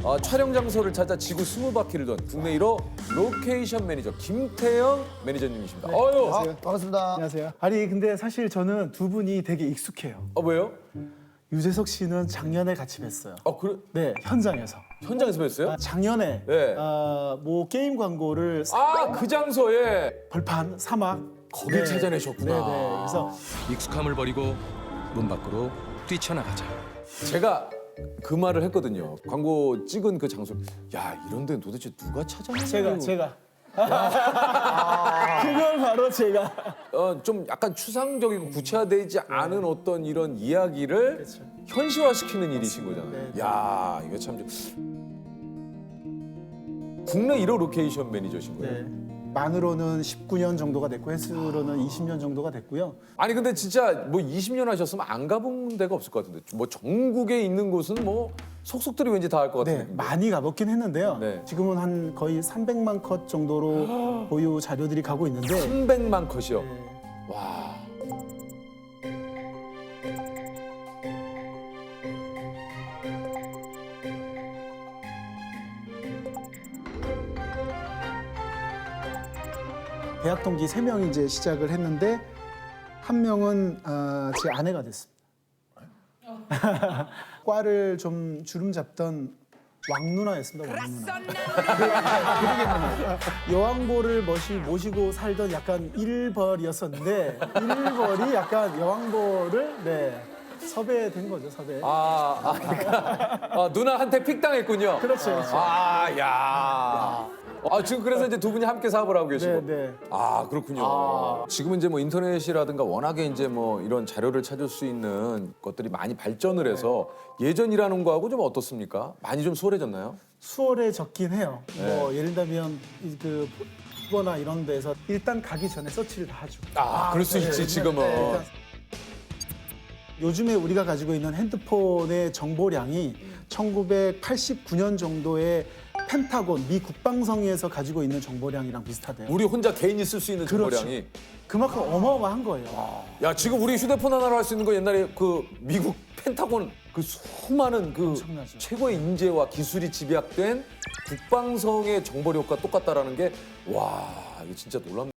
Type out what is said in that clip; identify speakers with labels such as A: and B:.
A: 촬영 장소를 찾아 지구 20바퀴를 돈 국내 1호 로케이션 매니저 김태형 매니저님이십니다. 어유.
B: 반갑습니다.
C: 안녕하세요. 아니 근데 사실 저는 두 분이 되게 익숙해요.
A: 왜요?
C: 유재석 씨는 작년에 같이 뵀어요.
A: 그래?
C: 네, 현장에서.
A: 현장에서 뵀어요?
C: 작년에
A: 네.
C: 뭐 게임 광고를
A: 그 장소에
C: 벌판 사막
A: 거길 찾아내셨구나.
C: 네네. 그래서
D: 익숙함을 버리고 문 밖으로 뛰쳐나가자.
A: 제가 그 말을 했거든요. 광고 찍은 그 장소. 야, 이런 데는 도대체 누가 찾아내는
C: 제가 그걸 바로 제가
A: 좀 약간 추상적이고 구체화되지 않은 어떤 이런 이야기를 현실화시키는 일이신 거잖아요.
C: 네.
A: 야, 이거 참 국내 1호 로케이션 매니저신 거예요.
C: 네. 만으로는 19년 정도가 됐고 횟수로는 20년 정도가 됐고요.
A: 아니 근데 진짜 뭐 20년 하셨으면 안 가본 데가 없을 것 같은데 뭐 전국에 있는 곳은 뭐 속속들이 왠지 다 할 것 같은
C: 네,
A: 느낌.
C: 많이 가봤긴 했는데요.
A: 네.
C: 지금은 한 거의 300만 컷 정도로 보유 자료들이 가고 있는데
A: 300만 컷이요.
C: 네.
A: 와.
C: 대학 동기 3명이 이제 시작을 했는데 한 명은 제 아내가 됐습니다. 과를 좀 주름 잡던 왕 누나였습니다. 왕 누나. 여왕벌을 모시고 살던 약간 일벌이었었는데 일벌이 약간 여왕벌을 섭외된 거죠. 섭외.
A: 그러니까 누나한테 픽당했군요.
C: 그렇죠. 그렇죠.
A: 야. 지금 그래서 이제 두 분이 함께 사업을 하고 계시고.
C: 네.
A: 그렇군요. 지금은 이제 뭐 인터넷이라든가 워낙에 이제 뭐 이런 자료를 찾을 수 있는 것들이 많이 발전을 해서 예전이라는 거하고 좀 어떻습니까? 많이 좀 수월해졌나요?
C: 수월해졌긴 해요. 뭐 예를 들면 그 포거나 이런 데서 일단 가기 전에 서치를 다 하죠.
A: 그럴 수 있지 지금은.
C: 일단 요즘에 우리가 가지고 있는 핸드폰의 정보량이 1989년 정도의 펜타곤 미 국방성에서 가지고 있는 정보량이랑 비슷하대요.
A: 우리 혼자 개인이 쓸 수 있는
C: 그렇죠.
A: 정보량이.
C: 그만큼 어마어마한 거예요.
A: 야, 지금 우리 휴대폰 하나로 할 수 있는 거 옛날에 그 미국 펜타곤 그 수많은 그
C: 엄청나죠.
A: 최고의 인재와 기술이 집약된 국방성의 정보력과 똑같다라는 게 와, 이거 진짜 놀랍네.